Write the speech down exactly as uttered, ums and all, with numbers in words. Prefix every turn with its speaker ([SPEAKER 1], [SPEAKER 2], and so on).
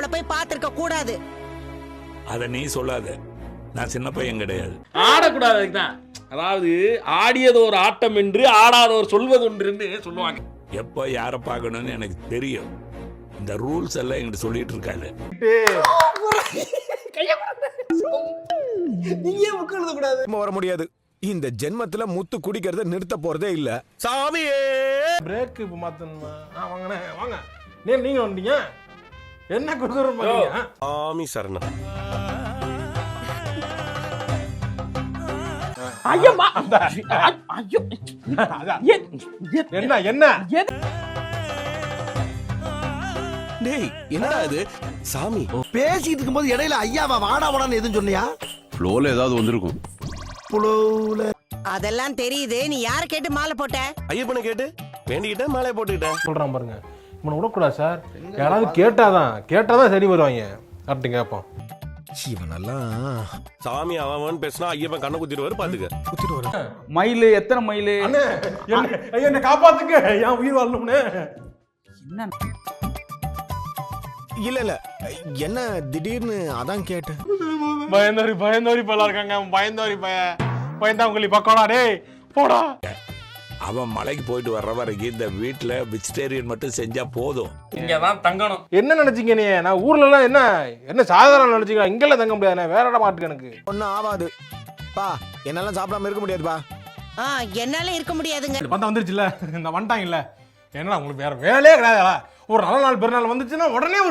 [SPEAKER 1] போய் பார்த்திருக்க கூடாது.
[SPEAKER 2] அத நீ சொல்லாத, நான் சின்ன பையன் கிடையாது.
[SPEAKER 3] ஆடக்கூடாது. அதுக்குதான், அதாவது ஆடியது ஒரு ஆட்டம் என்று ஆடாதவர் சொல்வது ஒன்று சொல்லுவாங்க.
[SPEAKER 2] எப்ப யார பார்க்கணும்னு எனக்கு தெரியும். இந்த ரூல்ஸ் எல்லாம் என்கிட்ட சொல்லிட்டு இருக்காரு.
[SPEAKER 4] நீங்க புக் எழுத கூடாது.
[SPEAKER 5] வர முடியாது. இந்த ஜென்மத்துல முத்து குடிக்கிறத நிறுத்த போறதே இல்ல. சாமியே
[SPEAKER 4] பிரேக் இப்ப மாத்தணுமா? வாங்கண்ணே வாங்க. நீ நீங்க வந்தீங்க என்ன குடுக்குறோம் பாத்தீங்க.
[SPEAKER 5] சாமி சரணா.
[SPEAKER 3] ஐயம்மா ஐயோ
[SPEAKER 4] என்ன என்ன
[SPEAKER 5] டேய் என்னடா இது? சாமி
[SPEAKER 6] பேசிட்டு இருக்கும்போது இடையில ஐயாவா வாடா வாடான்னு எதுவும் சொன்னியா?
[SPEAKER 7] ஃப்ளோல ஏதாவது வந்திருக்கும்.
[SPEAKER 6] புலவுல
[SPEAKER 1] அதெல்லாம் தெரியுது. நீ யார கேட்டு மாலை போட்ட?
[SPEAKER 5] ஐயப்பனை கேட்டு வேண்டிக்கிட்டேன், மாலையை போட்டுக்கிட்டேன்.
[SPEAKER 4] சொல்றான் பாருங்க. இவனை விடக்கூடாது சார். யாராவது கேட்டாதான் கேட்டாதான் சரி வருவாங்க. கரெக்டு கேட்போம்.
[SPEAKER 5] இவனெல்லாம் சாமி அவன் பேசினா ஐயப்பன் கண்ணை குத்திடுவாரு. பாத்துக்க குத்திடுவாரு.
[SPEAKER 7] மயிலு எத்தனை மயிலு?
[SPEAKER 4] அண்ணே என்ன காப்பாத்துங்க, என் உயிர் வாழணும்னு.
[SPEAKER 7] என்ன
[SPEAKER 5] இல்ல இல்ல என்ன திடீர்னு அதான் கேட்டேன்.
[SPEAKER 4] பயந்தோரி பயந்தோரி பல்லா இருக்காங்க. பயந்தோரி பய பயந்தாங்குழி பக்கோடா. டேய் போடா.
[SPEAKER 2] அவன் மலைக்கு போயிட்டு வர்ற வரைக்கும் இந்த வீட்டுல வெஜிடேரியன் மட்டும் செஞ்சா போதும்.
[SPEAKER 3] இங்கதான் தங்கணும்.
[SPEAKER 4] என்ன நினைச்சீங்க நீ? நான் ஊர்ல எல்லாம் என்ன என்ன சாதாரண நினைச்சீங்க? இங்கெல்லாம் தங்க முடியாது. வேற இடம் மாட்டுக்கு எனக்கு
[SPEAKER 5] ஒன்னும் ஆகாது பா. என்னால சாப்பிடாம இருக்க முடியாதுப்பா.
[SPEAKER 1] ஆ, என்னால இருக்க முடியாதுங்க.
[SPEAKER 4] பார்த்தா வந்துருச்சுல்ல, இந்த வந்துட்டாங்கல்ல. என்னடா உங்களுக்கு வேற வேலையே கிடையாதுடா. ஒரு நல்ல நாள் பெருநாள் வந்துச்சுன்னா உடனே